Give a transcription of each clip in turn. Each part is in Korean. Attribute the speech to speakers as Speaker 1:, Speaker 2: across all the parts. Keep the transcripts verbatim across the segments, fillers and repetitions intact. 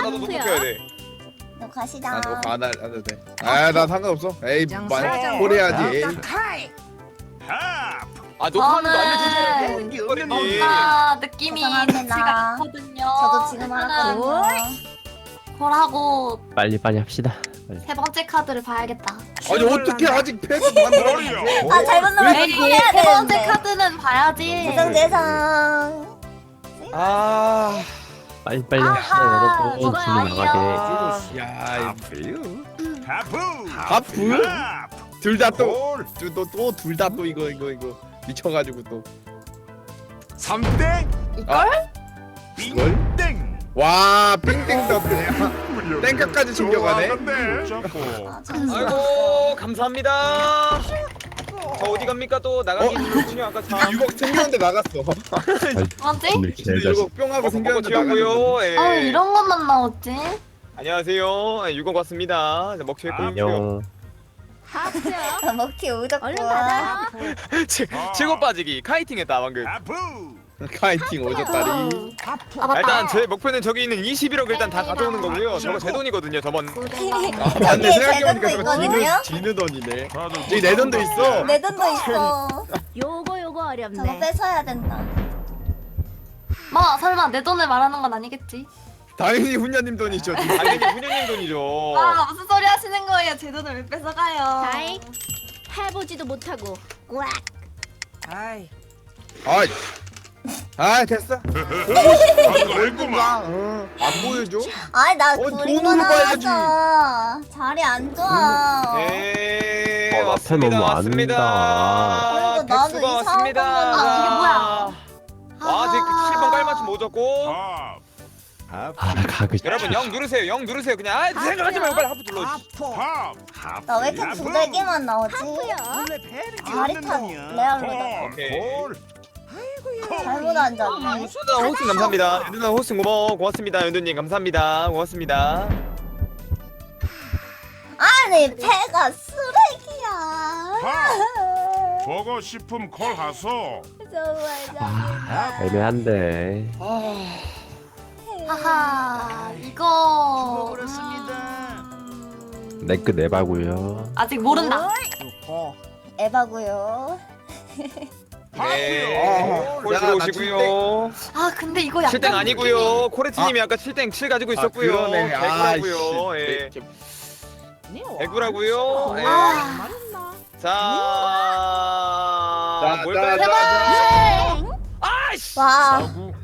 Speaker 1: 나도 노트 껴야 돼.
Speaker 2: 너 가시다.
Speaker 3: 아 그거 안 해도 돼. 아나 상관없어. 에이 만 오래야지.
Speaker 1: 아 녹화하는 거
Speaker 4: 저는
Speaker 1: 알려주세요.
Speaker 4: 뭔가 느낌이
Speaker 2: 죄송합니다.
Speaker 4: 같이 같거든요.
Speaker 2: 저도 지금 하거든요.
Speaker 4: 콜하고
Speaker 5: 빨리 빨리 합시다. 빨리.
Speaker 4: 세 번째 카드를 봐야겠다.
Speaker 3: 아니 어떻게 아직 패스 만들어?
Speaker 2: 아 잘못 눌렀어.
Speaker 4: 에이,
Speaker 2: 해야
Speaker 4: 세 번째
Speaker 2: 되는데.
Speaker 4: 카드는 봐야지.
Speaker 2: 대상 대상.
Speaker 3: 아,
Speaker 5: 빨리 빨리
Speaker 4: 아하,
Speaker 5: 합시다 여러분.
Speaker 4: 이거
Speaker 5: 진이 나가게.
Speaker 3: 야,
Speaker 6: 하프
Speaker 3: 하프? 둘 다 또, 또또 둘 다 또 이거 이거 이거 미쳐가지고 또.
Speaker 6: 삼 대
Speaker 3: 아, 이걸?
Speaker 6: 땡
Speaker 3: 와, 빙빙 떴네. 땡까지 챙겨가네.
Speaker 2: 아, 잠시만.
Speaker 1: 아이고 감사합니다. 저 어디 갑니까 또 나가기 중요 아까 참.
Speaker 3: 육억 생겼는데 나갔어.
Speaker 4: 뭐지?
Speaker 5: 오늘 개잘.
Speaker 3: 육억 뿅 하고
Speaker 1: 먹고
Speaker 3: 생겼는데 나갔어.
Speaker 1: 튀었고요. 예.
Speaker 4: 아 이런 것만 나오지?
Speaker 1: 안녕하세요. 예, 육억 왔습니다. 자, 먹튀 했고요.
Speaker 5: 안녕.
Speaker 2: 아, 먹튀 오졌고.
Speaker 7: 얼른 받아.
Speaker 1: 칠곱 빠지기 카이팅 했다 방금.
Speaker 6: 하프
Speaker 3: 카이팅 오졌다리.
Speaker 4: 아
Speaker 1: 아,
Speaker 4: 맞다.
Speaker 1: 일단 제 목표는 저기 있는 이십일억 일단 다 가져오는 거고요. 저거 제 돈이거든요. 저번.
Speaker 3: 아,
Speaker 2: 저기에
Speaker 3: 맞네.
Speaker 2: 제
Speaker 3: 생각해보니까
Speaker 2: 돈도
Speaker 3: 저거 지는
Speaker 2: 있거든요?
Speaker 3: 지는 돈이네.
Speaker 6: 다들
Speaker 3: 저기 내 돈도 있어.
Speaker 2: 내 돈도 있어.
Speaker 7: 요거 요거
Speaker 2: 저거
Speaker 7: 어렵네.
Speaker 2: 뺏어야 된다.
Speaker 4: 뭐 설마 내 돈을 말하는 건 아니겠지?
Speaker 3: 당연히 훈녀님 돈이죠.
Speaker 1: 당연히 훈현님 돈이죠.
Speaker 4: 아 무슨 소리 하시는 거예요? 제 돈을 왜 뺏어가요?
Speaker 7: 다이. 해보지도 못하고. 꽉.
Speaker 3: 아이, 아 됐어.
Speaker 6: 얼굴만
Speaker 3: 어, 안 보여줘?
Speaker 2: 아이 나
Speaker 3: 어,
Speaker 2: 둘이
Speaker 3: 돈으로 봐야지.
Speaker 2: 나왔어. 자리 안 좋아.
Speaker 1: 네
Speaker 5: 어, 나
Speaker 1: 왔습니다.
Speaker 5: 팬 너무 안
Speaker 1: 왔습니다.
Speaker 2: 다. 그리고 나도
Speaker 1: 백수가
Speaker 2: 이상한
Speaker 1: 왔습니다.
Speaker 2: 것만
Speaker 4: 아, 이게 뭐야?
Speaker 1: 아, 되게 칠 번 깔맞춤 오졌고.
Speaker 6: 밥
Speaker 5: 아 가그.
Speaker 1: 여러분 영 누르세요. 영 누르세요. 그냥 아 생각하지 말고 빨리 하프 눌러.
Speaker 6: 밥
Speaker 2: 나 왜 이렇게 두들기만 나오지? 자리 탓 레알로다.
Speaker 1: 오케이.
Speaker 2: 잘못 앉았네.
Speaker 1: 호스나 호스팅 감사합니다. 누나 호스팅 고마워. 고맙습니다. 연두님 감사합니다. 고맙습니다.
Speaker 2: 아니 배가 쓰레기야.
Speaker 6: 보고 싶음 콜 하소
Speaker 2: 정말
Speaker 5: 아,
Speaker 2: 짜증나.
Speaker 5: 애매한데.
Speaker 4: 하하 이거
Speaker 5: 내끝 내바고요.
Speaker 4: 아직 모른다.
Speaker 2: 에바고요.
Speaker 1: 네. 콜
Speaker 3: 야,
Speaker 1: 들어오시고요.
Speaker 4: 아 근데 이거 약간
Speaker 1: 칠땡 아니고요. 코레트님이 아까 칠땡 칠 가지고 있었고요.
Speaker 3: 아, 그러네. 아,
Speaker 1: 개구라고요. 예.
Speaker 3: 씨.
Speaker 1: 개구라고요. 예.
Speaker 4: 아,
Speaker 1: 자,
Speaker 3: 자,
Speaker 1: 뭘까요?
Speaker 3: 자, 자,
Speaker 4: 제발.
Speaker 1: 아이씨.
Speaker 2: 와.
Speaker 6: 사구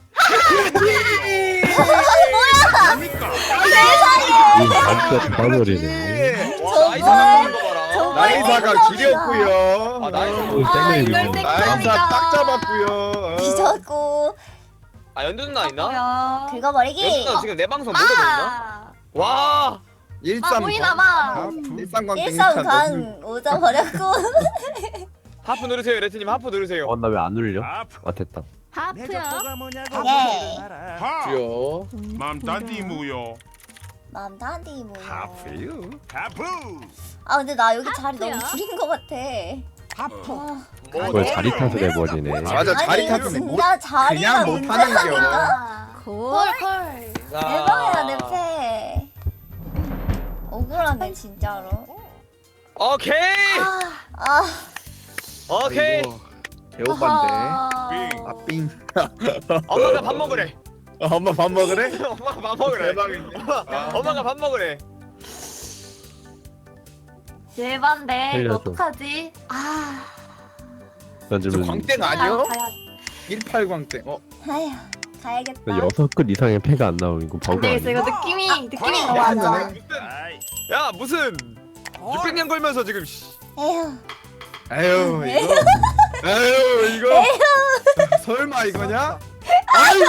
Speaker 5: 이 날짜 다버리네.
Speaker 1: 와, 나이 사람 거 봐라.
Speaker 2: 정말
Speaker 3: 나이사가
Speaker 2: 생각보다.
Speaker 3: 길었고요.
Speaker 1: 아, 나이사.
Speaker 5: 오,
Speaker 4: 아
Speaker 5: 땡을
Speaker 4: 이걸
Speaker 5: 이거.
Speaker 3: 나이사 딱 잡았고요.
Speaker 2: 뒤졌고
Speaker 1: 아, 연두 누나 있나?
Speaker 4: 뭐야?
Speaker 1: 연두
Speaker 2: 긁어버리기.
Speaker 1: 누나 지금 내 방송 못 보고 있나? 와.
Speaker 4: 아
Speaker 3: 일삼
Speaker 4: 보이나 봐.
Speaker 3: 일삼광
Speaker 2: 일삼강 오져버렸고.
Speaker 1: 하프 누르세요. 레트님 하프 누르세요.
Speaker 5: 어 나 왜 안 울려?
Speaker 6: 밥
Speaker 5: 아 됐다.
Speaker 7: 하프요.
Speaker 2: 예.
Speaker 6: 밥
Speaker 3: 요.
Speaker 6: 맘단디 무요
Speaker 2: 맘 다디 뭐.
Speaker 3: 하프요.
Speaker 6: 하프
Speaker 2: 아 근데 나 여기 자리 너무
Speaker 7: 하프요?
Speaker 2: 줄인 것 같아. 아,
Speaker 1: 뭐,
Speaker 5: 뭘 자리 탓을 해버리네.
Speaker 3: 맞아, 자리
Speaker 2: 아니
Speaker 3: 탓은 못
Speaker 2: 진짜 자리가
Speaker 3: 그냥 못 하는 겨.
Speaker 2: 문제라니까.
Speaker 4: 콜 콜.
Speaker 1: 자.
Speaker 2: 대박이야 내 패. 억울하네 진짜로.
Speaker 1: 오케이.
Speaker 2: 아
Speaker 1: 오케이.
Speaker 3: 아이고, 배고반데.
Speaker 2: 아하.
Speaker 3: 아 삥.
Speaker 1: 엄마가 밥 먹으래.
Speaker 3: 어, 엄마 밥 먹으래?
Speaker 1: 엄마가 밥 먹으래.
Speaker 3: 대박이네. 아.
Speaker 1: 엄마가 밥 먹으래.
Speaker 4: 예반데 이거
Speaker 5: 살려줘.
Speaker 4: 어떡하지? 아.
Speaker 3: 저
Speaker 5: 던지면
Speaker 3: 광땡
Speaker 4: 그냥
Speaker 3: 아니요?
Speaker 4: 가야-
Speaker 3: 일팔 광땡. 어.
Speaker 2: 아휴 가야겠다.
Speaker 5: 여섯 끝 이상의 패가 안 나오면 이거
Speaker 4: 안
Speaker 5: 버그
Speaker 4: 되겠어
Speaker 5: 아니야?
Speaker 4: 이거 느낌이 느낌이
Speaker 2: 아,
Speaker 4: 너무 안 좋아.
Speaker 2: 맞아.
Speaker 1: 야 무슨 육백 년 걸면서 지금 씨.
Speaker 2: 에휴.
Speaker 3: 아유 이거. 아유 이거. 설마 이거냐? 아이고.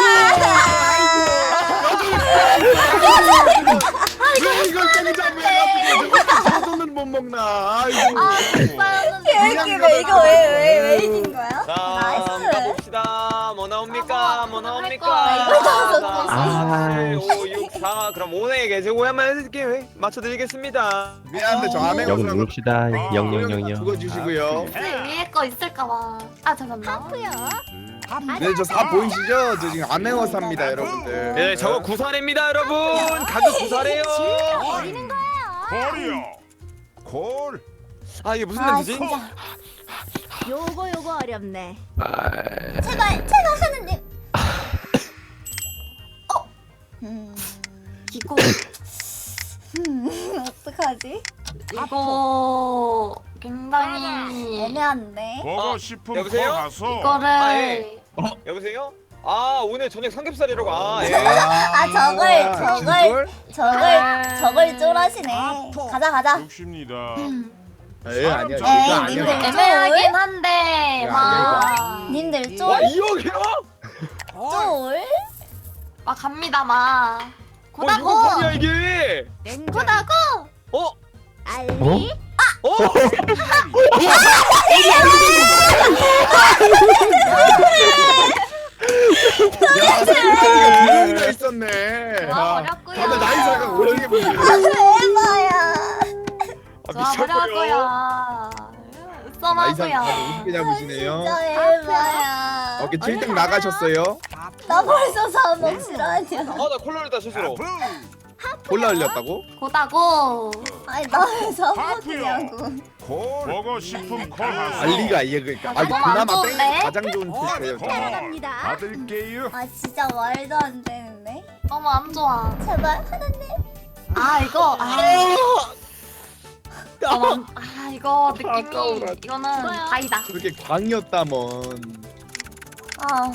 Speaker 3: 아이고. 왜 이걸 땡잡고 해가지고 저 돈은 못 먹나? 아이고.
Speaker 4: 아 진짜였는데.
Speaker 2: 개웃기네 이거 왜왜왜 이긴 거야?
Speaker 1: 자
Speaker 2: 나이스.
Speaker 1: 가봅시다. 뭐 나옵니까? 뭐
Speaker 4: 아,
Speaker 1: 나옵니까?
Speaker 2: 이거 다
Speaker 1: 사,
Speaker 5: 아,
Speaker 1: 칠, 오, 육, 사. 그럼 오네의 계제고 한번 해드릴게요. 맞춰드리겠습니다.
Speaker 3: 미안한데 저 암행
Speaker 5: 영
Speaker 3: 오사가
Speaker 5: 누릅시다. 영영영영.
Speaker 3: 죽어주시고요.
Speaker 4: 혹시 위에 거 있을까봐. 아 잠깐만.
Speaker 7: 하프요.
Speaker 3: 네, 저 사 보이시죠? 저 지금 안내어 삽니다, 여러분들.
Speaker 1: 네, 저거 구사래입니다, 여러분. 가격 구사래요.
Speaker 7: 버리는 거예요.
Speaker 6: 콜이요. 콜.
Speaker 1: 아, 이게 무슨
Speaker 2: 아
Speaker 1: 냄새지?
Speaker 2: 진짜.
Speaker 7: 요거 요거 어렵네.
Speaker 5: 아,
Speaker 2: 제발 제발 하느님. 어. 음.
Speaker 4: 이거
Speaker 2: 음. 어떡하지?
Speaker 4: 이거 굉장히
Speaker 2: 애매한데.
Speaker 6: 버거
Speaker 1: 어,
Speaker 6: 식품 콜
Speaker 1: 여보세요?
Speaker 6: 가서
Speaker 4: 이거를
Speaker 1: 아, 예. 여보세요? 아, 오늘 저녁 삼겹살이라고. 아, 예.
Speaker 2: 아 저걸
Speaker 3: 아,
Speaker 2: 저걸 저걸
Speaker 4: 아.
Speaker 2: 저걸 쫄하시네. 가자 가자.
Speaker 6: 욕심니다.
Speaker 3: 예, 아니야. 이거
Speaker 2: 에이,
Speaker 3: 아니야.
Speaker 2: 님들.
Speaker 4: 애매하긴 한데
Speaker 3: 야,
Speaker 4: 막,
Speaker 2: 님들
Speaker 1: 와,
Speaker 2: 쫄
Speaker 1: 이억이요?
Speaker 2: 쫄.
Speaker 4: 막 갑니다 막
Speaker 1: 어,
Speaker 4: 고다고
Speaker 1: 이거 뭐냐, 이게?
Speaker 4: 고다고
Speaker 1: 어?
Speaker 7: 알리.
Speaker 1: 어?
Speaker 3: 야, 진짜 두 명이나 있었네.
Speaker 4: 좋아
Speaker 3: 아,
Speaker 4: 버렸고요
Speaker 3: 다들 나이사가 오지게 보이네.
Speaker 2: 대박이야.
Speaker 1: 아,
Speaker 4: 좋아 버렸고요
Speaker 3: 나이사
Speaker 4: 썸하고요
Speaker 3: 다들 오지게 잡으시네요.
Speaker 2: 진짜 대박이야.
Speaker 3: 오케이, 칠 등 나가셨어요.
Speaker 2: 나 벌써 사먹 실화냐.
Speaker 1: 아, 나 콜라 흘렸다, 실수로.
Speaker 3: 콜라 흘렸다고?
Speaker 4: 고다고
Speaker 2: 아니 나 왜 사먹냐고.
Speaker 6: 콜. 버거 식품 콜 가서
Speaker 3: 알리가 이게 그러니까. 아, 이거
Speaker 4: 너무 안
Speaker 3: 그나마
Speaker 4: 좋은데?
Speaker 3: 땡 가장 좋은 테스트예요.
Speaker 6: 콜.
Speaker 7: 따라갑니다.
Speaker 6: 받을게요.
Speaker 2: 아 진짜 말도 안 되는데.
Speaker 4: 너무 안 좋아
Speaker 2: 제발 하나님.
Speaker 4: 아 이거 아 너무 안- 아 이거 느낌이
Speaker 3: 아까워라.
Speaker 4: 이거는
Speaker 7: 뭐야?
Speaker 4: 다이다
Speaker 3: 그렇게 광이었다먼.
Speaker 2: 아.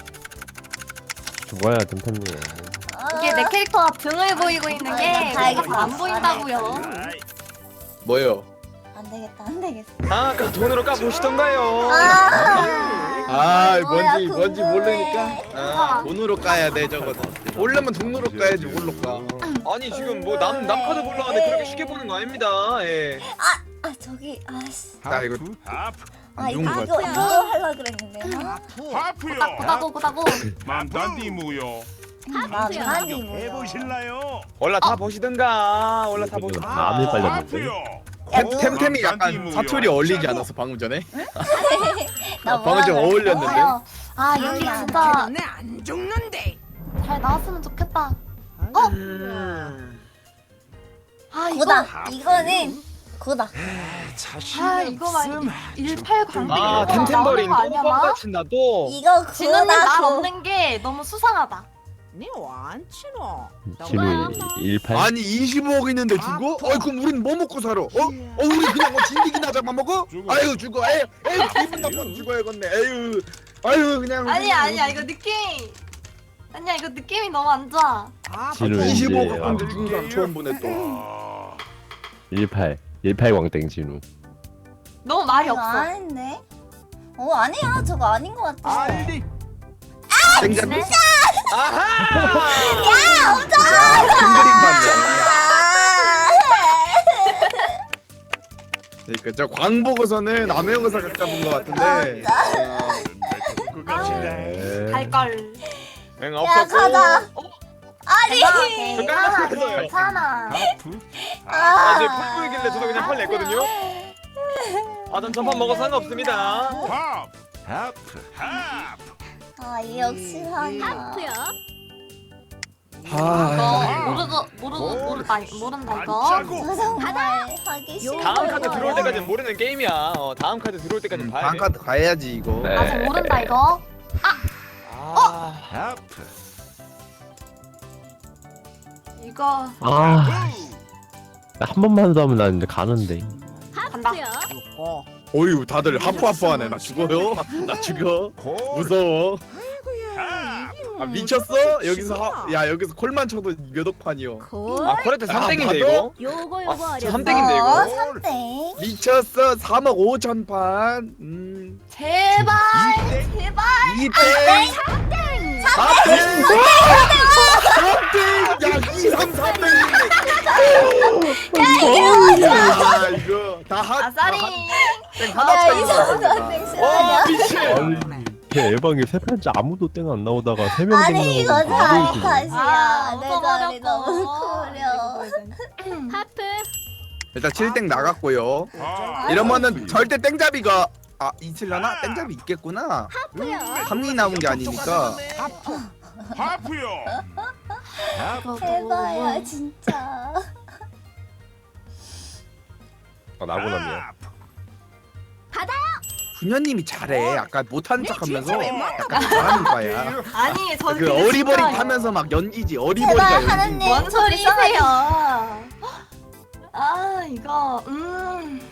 Speaker 5: 죽어야 템템님.
Speaker 2: 아.
Speaker 4: 이게 내 캐릭터가 등을 보이고 있는 게
Speaker 2: 아, 다행이다.
Speaker 4: 뭐가 안 보인다고요
Speaker 3: 뭐요?
Speaker 2: 안 되겠다 안 되겠어.
Speaker 1: 아, 그 돈으로 까보시던가요.
Speaker 2: 아.
Speaker 3: 아,
Speaker 2: 뭐야,
Speaker 3: 뭔지 뭔지
Speaker 2: 궁금해.
Speaker 3: 모르니까. 아, 돈으로 까야 돼 저거. 모르면 돈으로 까야지 뭘로 까.
Speaker 1: 아니, 지금 뭐 남 남 카드 보려고 하는데 그렇게 쉽게 보는 거 아닙니다. 예.
Speaker 2: 아 저기 아씨.
Speaker 3: 자, 이거
Speaker 6: 하프.
Speaker 2: 아
Speaker 3: 안
Speaker 2: 이거
Speaker 3: 좋은 거
Speaker 2: 이거
Speaker 3: 같아.
Speaker 2: 이거 하려 그랬는데. 아.
Speaker 6: 하프요.
Speaker 4: 고다고 고다고
Speaker 6: 만단디무요.
Speaker 2: 만만이 뭐야.
Speaker 6: 해보실라요?
Speaker 1: 올라 다 보시든가. 올라 다 보시.
Speaker 5: 마음이 빨렸는데.
Speaker 6: 하프요.
Speaker 3: 템, 템템이 약간
Speaker 6: 만단디무요.
Speaker 3: 사투리 어울리지 않았어 방금 전에?
Speaker 2: 나
Speaker 3: 아, 방금 좀
Speaker 2: 뭐라
Speaker 3: 어울렸는데?
Speaker 4: 좋아요. 아 여기
Speaker 2: 아,
Speaker 4: 진짜
Speaker 7: 안 죽는데.
Speaker 4: 잘 나왔으면 좋겠다
Speaker 1: 음.
Speaker 4: 아 이거
Speaker 2: 고다. 이거는 고다.
Speaker 4: 아 이거 막 일팔 광대
Speaker 1: 아,
Speaker 4: 이런 거
Speaker 1: 템템버린
Speaker 4: 나오는 거 아니야 막?
Speaker 1: 뻥뻥 친다 또.
Speaker 2: 이거
Speaker 4: 진우님 날
Speaker 2: 고다.
Speaker 4: 없는 게 너무 수상하다
Speaker 7: 니안 치노.
Speaker 5: 지금 일팔.
Speaker 3: 아니 이십오억 있는데 죽어? 어이 그럼 우린 뭐 먹고 살아? 어? 어 우리 그냥 뭐 진디기나 잡아 먹어?
Speaker 6: 죽어.
Speaker 3: 아유 죽어 에휴 에휴 기분 나쁘면 죽어야겠네 에휴 아유 그냥
Speaker 4: 아니야 아니야 이거 느낌 아니야 이거 느낌이 너무 안 좋아
Speaker 5: 진우 이제
Speaker 3: 이십오
Speaker 5: 와.
Speaker 3: 갖고 죽은 사람 처음 보네 또.
Speaker 6: 아,
Speaker 5: 일팔. 일팔 광땡 진우.
Speaker 4: 너무 말이
Speaker 2: 이거
Speaker 4: 없어
Speaker 2: 아닌데? 어 아니야 저거 아닌 것 같아.
Speaker 3: 땡잡이
Speaker 4: 네?
Speaker 1: 아하!
Speaker 3: 큰 그림 봤네. 그러니까 저 광 보고서는 남해영사 각 잡은 것 같은데.
Speaker 5: 네.
Speaker 4: 갈걸
Speaker 1: 응,
Speaker 2: 야
Speaker 1: 없었고.
Speaker 2: 가자.
Speaker 1: 어?
Speaker 2: 아니.
Speaker 4: 괜찮아
Speaker 1: 깜짝이야.
Speaker 4: 괜찮아
Speaker 6: 하프.
Speaker 1: 아,
Speaker 2: 아.
Speaker 1: 이제 풀 보이길래 저도 그냥 펄 냈거든요. 아, 전 전판 먹어서 상관없습니다.
Speaker 6: 하프. 하프. 하프.
Speaker 2: 아이 역시 하냐.
Speaker 7: 하프요.
Speaker 3: 아.
Speaker 4: 이거 모르고 모르고 모른다 모른다 이거
Speaker 6: 짜고.
Speaker 2: 저 정말 하기 싫어.
Speaker 1: 다음 카드 들어올 때까지는 모르는 게임이야. 어, 다음 카드 들어올 때까지는 봐야 돼.
Speaker 3: 방카드 가야지 이거.
Speaker 5: 네.
Speaker 4: 아직 모른다 이거
Speaker 1: 아,
Speaker 6: 하프.
Speaker 4: 이거
Speaker 5: 아, 한 번만 더 하면 나 이제 가는데.
Speaker 7: 하프요.
Speaker 3: 어유 다들 하프하프하네. 나 죽어요? 나 죽여.
Speaker 6: 콜.
Speaker 3: 무서워.
Speaker 6: 하프.
Speaker 3: 아 미쳤어? 여기서 하, 야 여기서 콜만 쳐도 몇 억판이요.
Speaker 7: 콜.
Speaker 1: 아, 코레트 삼 땡인데
Speaker 3: 아,
Speaker 1: 이거?
Speaker 7: 요거
Speaker 1: 아,
Speaker 7: 요거
Speaker 1: 저
Speaker 7: 어렵네.
Speaker 1: 삼 땡인데 이거?
Speaker 2: 어 삼땡.
Speaker 3: 미쳤어. 삼억 오천 판. 음.
Speaker 4: 제발 제발
Speaker 3: 이 땡. 사 땡. 삼 땡. 야 이, 삼, 삼 땡. 야 이거 다 하.
Speaker 4: 아싸리
Speaker 3: 땡 하나
Speaker 2: 아
Speaker 3: 차이
Speaker 2: 이상한
Speaker 3: 나잖아.
Speaker 2: 땡
Speaker 1: 와,
Speaker 2: 싫어하냐.
Speaker 1: 미친.
Speaker 5: 아니, 걔 에방에 세 판째 아무도 땡 안 나오다가 세 명 땡
Speaker 2: 아니 이거
Speaker 5: 나오고
Speaker 2: 다
Speaker 5: 바로
Speaker 2: 탓이야. 내 자리
Speaker 4: 웃어버렸고.
Speaker 2: 너무 구려.
Speaker 7: 하프.
Speaker 3: 일단 칠 땡 나갔고요.
Speaker 6: 아,
Speaker 3: 이러면은 절대 땡잡이가 아 있으려나? 땡잡이 있겠구나.
Speaker 7: 하프요.
Speaker 3: 삼이 남은 게 아니니까.
Speaker 6: 하프요.
Speaker 2: 대박이야 진짜.
Speaker 5: 아 나고남이야.
Speaker 6: 하프.
Speaker 3: 훈녀님이 잘해. 아까 못하는
Speaker 7: 네,
Speaker 3: 척하면서
Speaker 7: 진짜 왜 막-
Speaker 3: 약간 잘하는 거야.
Speaker 4: 아니 저
Speaker 3: 그 어리버리 하면서 막 연기지. 어리버리가
Speaker 2: 제발
Speaker 3: 연기.
Speaker 2: 하느님.
Speaker 4: 뭔 소리세요? 아 이거 음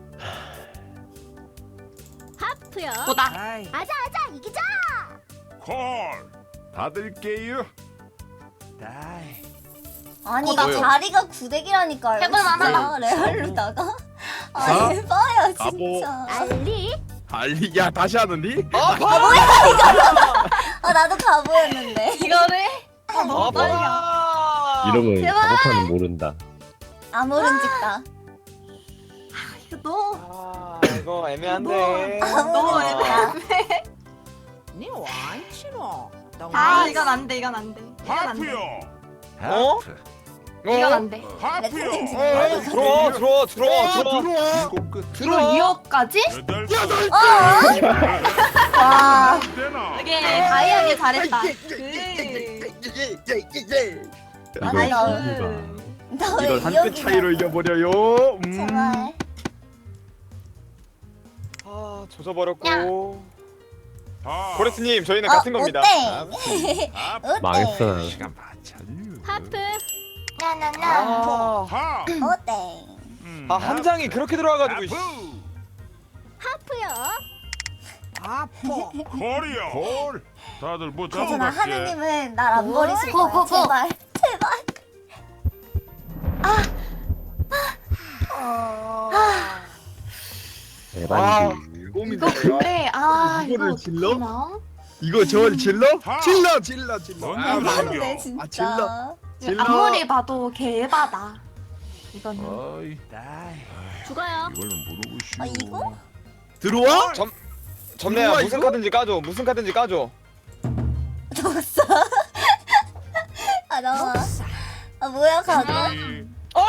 Speaker 7: 하프요.
Speaker 4: 보다.
Speaker 7: 아자 아자 이기자.
Speaker 6: 콜. 받을게요. 다이.
Speaker 2: 아니
Speaker 4: 어,
Speaker 2: 이
Speaker 3: 뭐요?
Speaker 2: 자리가 구대기라니까요.
Speaker 4: 해볼 만하다.
Speaker 2: 진짜 레알로다가. 아
Speaker 3: 자,
Speaker 2: 해봐요
Speaker 3: 가보.
Speaker 2: 진짜.
Speaker 7: 알리.
Speaker 3: 알리 야 다시 하는디?
Speaker 1: 아
Speaker 2: 아 나도 가보였는데.
Speaker 4: 이거를 아
Speaker 1: 아
Speaker 4: 너무 떨려.
Speaker 1: 봐.
Speaker 5: 이러면
Speaker 2: 제발.
Speaker 5: 가보파는 모른다.
Speaker 2: 아무런 짓다.
Speaker 4: 이거 너무
Speaker 1: 아 이거 애매한데.
Speaker 2: 아무런 짓다.
Speaker 7: 니 완치노.
Speaker 4: 아 이건 안 돼. 이건 안 돼. 이건 안 돼.
Speaker 6: 하프요.
Speaker 1: 어?
Speaker 4: 이건 안 돼.
Speaker 6: 하프요.
Speaker 2: 레트님 진짜
Speaker 3: 어,
Speaker 2: 빨리 가.
Speaker 1: 들어와 들어와 들어와
Speaker 3: 어,
Speaker 1: 들어와.
Speaker 3: 들어와.
Speaker 6: 일곱 끝.
Speaker 4: 이거 이 억까지?
Speaker 6: 여덟
Speaker 3: 여덟
Speaker 6: 끝.
Speaker 2: 와.
Speaker 6: 되나?
Speaker 4: 이게 다이하게 잘했다. 그
Speaker 5: 이거
Speaker 2: 아니, 나-
Speaker 5: 신기가.
Speaker 2: 나왜
Speaker 3: 이걸 한 끗 차이로 이겨버려요. 음.
Speaker 2: 제발.
Speaker 1: 아 조져버렸고.
Speaker 6: 하.
Speaker 1: 고레스님 저희는
Speaker 2: 어,
Speaker 1: 같은 겁니다.
Speaker 2: 오땡.
Speaker 6: 하프.
Speaker 2: 오땡.
Speaker 5: 망했어.
Speaker 6: 시간 맞췄류.
Speaker 7: 하프.
Speaker 2: 나나나.
Speaker 1: 아,
Speaker 6: 하.
Speaker 2: 오땡.
Speaker 6: 음,
Speaker 1: 아 한 장이 그렇게 들어와가지고. 씨.
Speaker 6: 하프.
Speaker 7: 하프요. 아포.
Speaker 6: 콜이요. 콜. 다들 뭐 잡은
Speaker 2: 괜찮아
Speaker 6: 것
Speaker 2: 하느님은 날 안 버리실
Speaker 4: 고,
Speaker 2: 거야.
Speaker 4: 고, 고.
Speaker 2: 제발 제발.
Speaker 5: 대박이지.
Speaker 4: 이거
Speaker 3: 고민돼요.
Speaker 4: 근데 아 이거
Speaker 3: 이거를 질러?
Speaker 4: 어떡하나?
Speaker 3: 이거 저 질러?
Speaker 6: 하.
Speaker 3: 질러 질러 질러.
Speaker 6: 뭔
Speaker 3: 아,
Speaker 6: 말이야?
Speaker 2: 대박인데
Speaker 3: 아,
Speaker 2: 진짜.
Speaker 3: 질러. 질러.
Speaker 4: 아무리 봐도 개바다. 이거는.
Speaker 6: 어이. 다이.
Speaker 7: 죽어요.
Speaker 6: 이걸로 모르고
Speaker 2: 아 이거?
Speaker 3: 들어와?
Speaker 1: 점내야
Speaker 3: 들어와,
Speaker 1: 무슨
Speaker 3: 이거?
Speaker 1: 카든지 까줘. 무슨 카든지 까줘.
Speaker 2: 넣었어. 아 나와. 아 뭐야 가고?
Speaker 6: 다이.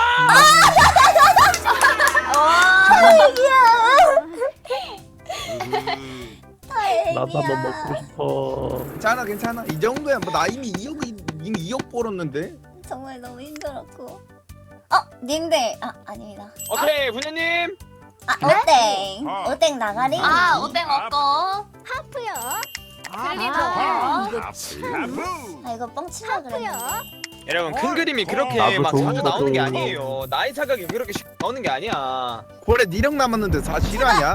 Speaker 2: 다행이야.
Speaker 5: 나도 한번 먹고 싶어.
Speaker 3: 괜찮아 괜찮아. 이 정도야. 뭐 나 이미 이억 이미 이억 벌었는데.
Speaker 2: 정말 너무 힘들었고. 어 님들 아 아닙니다.
Speaker 1: 오케이 훈녀님.
Speaker 2: 아 오땡
Speaker 6: 아.
Speaker 2: 오땡 나가리.
Speaker 4: 아 오뎅 없고.
Speaker 7: 하프요.
Speaker 4: 틀리죠.
Speaker 7: 아, 이거
Speaker 6: 하프. 하프.
Speaker 2: 아 이거 뻥치려 그랬는데.
Speaker 7: 하프요.
Speaker 1: 여러분 큰 그림이 그렇게
Speaker 5: 나도
Speaker 1: 막
Speaker 5: 좋은
Speaker 1: 자주
Speaker 5: 거
Speaker 1: 나오는 게
Speaker 5: 좀.
Speaker 1: 아니에요. 나이 차각이 그렇게 쉽게 나오는 게 아니야.
Speaker 3: 고래 니력 남았는데 사 실화냐?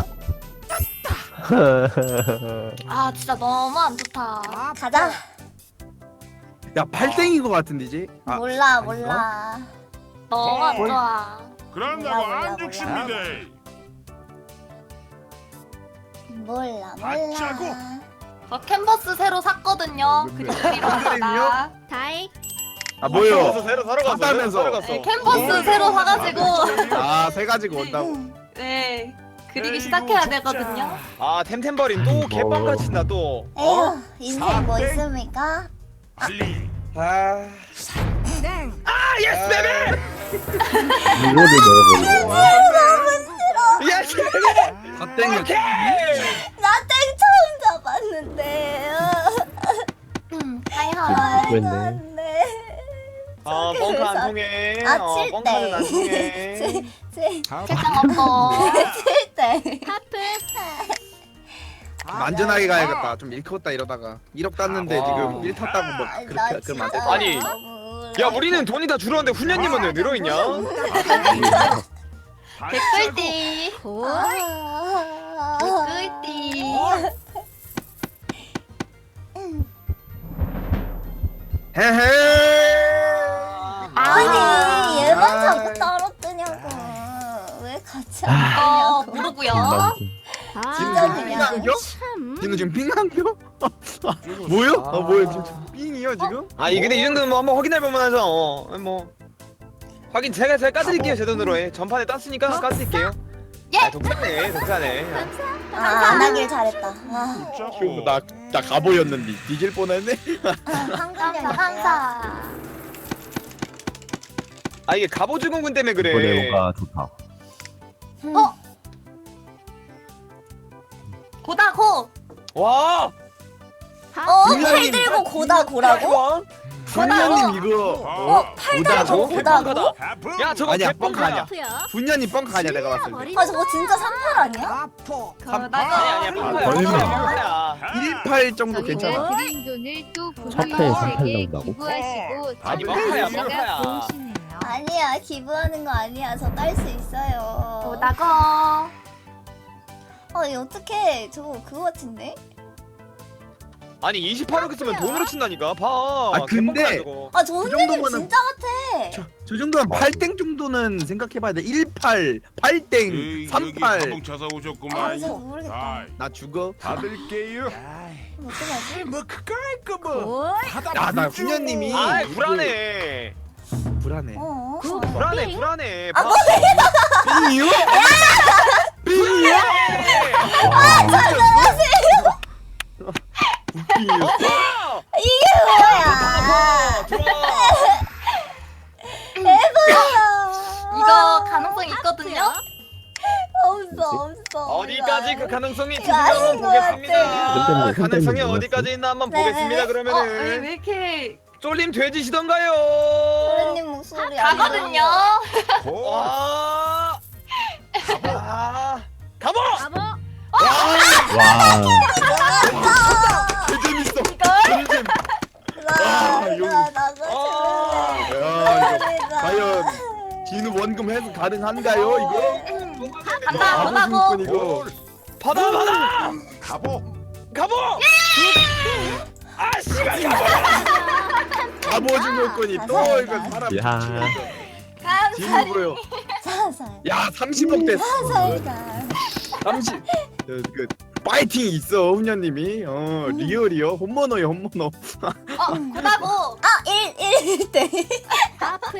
Speaker 4: 아 진짜 너무 안 좋다.
Speaker 2: 가자.
Speaker 3: 야 팔땡인 거 같은데 이제. 아,
Speaker 2: 몰라
Speaker 3: 아닌가?
Speaker 2: 몰라.
Speaker 4: 너무 안 좋아.
Speaker 6: 그런다고
Speaker 2: 몰라, 몰라,
Speaker 6: 안 죽습니다.
Speaker 2: 몰라
Speaker 6: 아짜고.
Speaker 2: 몰라.
Speaker 4: 저 캔버스 새로 샀거든요.
Speaker 3: 뭐,
Speaker 4: 그거
Speaker 3: 뭐,
Speaker 4: 드리러 왔다.
Speaker 7: 다이.
Speaker 3: 아
Speaker 1: 그래서
Speaker 3: 뭐요?
Speaker 1: 새로 사러 갔어.
Speaker 3: 샀다면서.
Speaker 1: 새로 갔어.
Speaker 4: 네, 캔버스 새로 사가지고
Speaker 3: 아세 가지고 온다고.
Speaker 4: 네 그리기 시작해야 되거든요.
Speaker 1: 아 템템버린 또 개빵 친다 또.
Speaker 2: 에휴 인생 뭐 있습니까?
Speaker 6: 빨리.
Speaker 1: 아.
Speaker 7: 땡.
Speaker 1: 아 예스 베비.
Speaker 5: 이거를 넣어버리네.
Speaker 1: 예스 베비.
Speaker 3: 갓땡이.
Speaker 1: 오케이.
Speaker 2: 나 땡 처음 잡았는데.
Speaker 4: 음, 하이하.
Speaker 5: 그랬네.
Speaker 2: 안돼.
Speaker 1: 어 뻥카 안 통해.
Speaker 2: 아,
Speaker 1: 어
Speaker 2: 칠
Speaker 1: 뻥카는 안
Speaker 2: 대.
Speaker 1: 통해.
Speaker 4: 책장 없고.
Speaker 2: 칠대.
Speaker 7: 하프.
Speaker 3: 안전하게 가야겠다. 좀 일컸다 이러다가 일억 땄는데
Speaker 1: 아,
Speaker 3: 지금 일 탔다고 뭐 그렇게 그러면 안 되잖아.
Speaker 1: 아니, 야 우리는 돈이 다 줄었는데 훈녀님은 왜 늘어있냐?
Speaker 4: 댓글띠.
Speaker 7: 고.
Speaker 4: 댓글띠.
Speaker 3: 헤헤.
Speaker 2: 아니 얘만 자꾸 따로 뜨냐고. 왜 같이
Speaker 4: 어
Speaker 2: 안 뜨냐고.
Speaker 4: 모르고요.
Speaker 7: 아,
Speaker 3: 진짜
Speaker 2: 그냥.
Speaker 3: 핑한겨?
Speaker 7: 참.
Speaker 3: 진우 지금 핑한겨? 뭐요? 아 뭐야 지금 핑이요 지금?
Speaker 1: 아 이 근데 이 정도는 뭐 한번 확인할 만하죠. 어, 뭐 확인 제가 제가 까드릴게요 제 돈으로 해. 전판에 땄으니까 까드릴게요.
Speaker 4: 예.
Speaker 1: 아 독사네 독사네.
Speaker 2: 아, 안 하길 잘했다. 아,
Speaker 3: 나나 가보였는데 뒤질 뻔했네.
Speaker 2: 한국nhân
Speaker 4: 감사.
Speaker 1: 아 이게 갑오주공군 때문에 그래.
Speaker 5: 이번에 뭔가 좋다.
Speaker 2: 어?
Speaker 1: 와.
Speaker 2: 어? 팔
Speaker 3: 분명히-
Speaker 2: 들고 고다 고라고?
Speaker 3: 분녀님 이거
Speaker 2: 어? 팔 들고 고다고?
Speaker 1: 개뻥카다.
Speaker 6: 하프.
Speaker 1: 야 저거
Speaker 3: 아니야,
Speaker 1: 개뻥카야.
Speaker 3: 뻥카
Speaker 7: 하프요.
Speaker 3: 분녀님 뻥카 아니야 내가 봤을 때
Speaker 2: 아 저거 진짜 삼팔 아니야?
Speaker 1: 아니 아니야 뻥카야.
Speaker 5: 걸리면-
Speaker 1: 뻥카야.
Speaker 3: 일팔 정도 괜찮아.
Speaker 7: 드린 돈을 또
Speaker 5: 첫 회에 삼팔
Speaker 7: 부모님에게
Speaker 5: 나온다고?
Speaker 7: 기부하시고
Speaker 1: 아니,
Speaker 7: 저도
Speaker 1: 뻥카야,
Speaker 7: 제가
Speaker 1: 뻥카야.
Speaker 7: 좋으시네요.
Speaker 2: 아니야 기부하는 거 아니야. 저 딸 수 있어요.
Speaker 4: 보다고.
Speaker 2: 어 이거 어떡해. 저거 그거 같은데?
Speaker 1: 아니 이십팔억 있으면 돈으로 친다니까. 봐.
Speaker 3: 아, 근데-
Speaker 1: 개뻥카야, 저거.
Speaker 2: 아 저
Speaker 3: 그
Speaker 2: 훈련님
Speaker 3: 정도면은-
Speaker 2: 진짜 같아.
Speaker 3: 저, 저 정도면 팔 땡 정도는 생각해봐야 돼. 일팔, 팔 땡, 삼팔.
Speaker 6: 한번 찾아
Speaker 2: 아
Speaker 6: 오셨구만.
Speaker 2: 진짜 모르겠다.
Speaker 6: 아이,
Speaker 3: 나 죽어.
Speaker 6: 받을게요.
Speaker 2: 그럼 어떡하지?
Speaker 6: 뭐 그까이 거 뭐.
Speaker 7: 뭘?
Speaker 3: 야, 나 훈련님이-
Speaker 1: 아 불안해.
Speaker 3: 불안해.
Speaker 2: 어?
Speaker 7: 구-
Speaker 1: 불안해
Speaker 7: 빙.
Speaker 1: 불안해.
Speaker 2: 아,
Speaker 1: 봐.
Speaker 3: 빙이요? 빙이요? 빙이요?
Speaker 1: 어!
Speaker 2: 이게 뭐야?
Speaker 1: 들어와.
Speaker 2: 대박이야.
Speaker 4: 이거 가능성이 있거든요.
Speaker 2: 없어 없어.
Speaker 1: 어디까지
Speaker 2: 이거
Speaker 1: 그 가능성이
Speaker 2: 이거
Speaker 1: 있는지 한번
Speaker 2: 아닌 것
Speaker 1: 보겠습니다.
Speaker 2: 같아.
Speaker 5: 근데
Speaker 1: 가능성이
Speaker 5: 근데
Speaker 1: 어디까지 있나 한번
Speaker 2: 네.
Speaker 1: 보겠습니다.
Speaker 4: 어, 아니
Speaker 1: 그러면은
Speaker 4: 왜 이렇게
Speaker 1: 쫄림 돼지시던가요?
Speaker 2: 훈련님 목소리 안
Speaker 4: 가거든요.
Speaker 6: 고.
Speaker 1: 와. 아. 가보.
Speaker 7: 바보.
Speaker 5: 와.
Speaker 3: 개 재밌어.
Speaker 2: 이걸?
Speaker 3: 아,
Speaker 2: 나
Speaker 3: 이거-
Speaker 2: 나 나가
Speaker 1: 아.
Speaker 2: 죽을래.
Speaker 3: 야, 이거
Speaker 2: 대박이다.
Speaker 3: 과연 진우 원금 해서 가능한가요? 이거?
Speaker 4: 간다
Speaker 3: 바보
Speaker 4: 보다고.
Speaker 3: 중꾼 이거.
Speaker 1: 받아 받아.
Speaker 6: 가보.
Speaker 1: 가보. 아 씨발.
Speaker 3: 바보 중꾼이 또
Speaker 2: 아,
Speaker 3: 이거 사람
Speaker 5: 야.
Speaker 3: 진우 보여.
Speaker 2: 살살.
Speaker 3: 야, 삼십억 됐어.
Speaker 2: 살살.
Speaker 3: 삼십. 그, 그 파이팅이 있어 훈녀님이. 어 리얼이요. 홈모노요 홈모노.
Speaker 4: 어 보다고.
Speaker 2: 아, 일, 일 대.
Speaker 7: 하프요.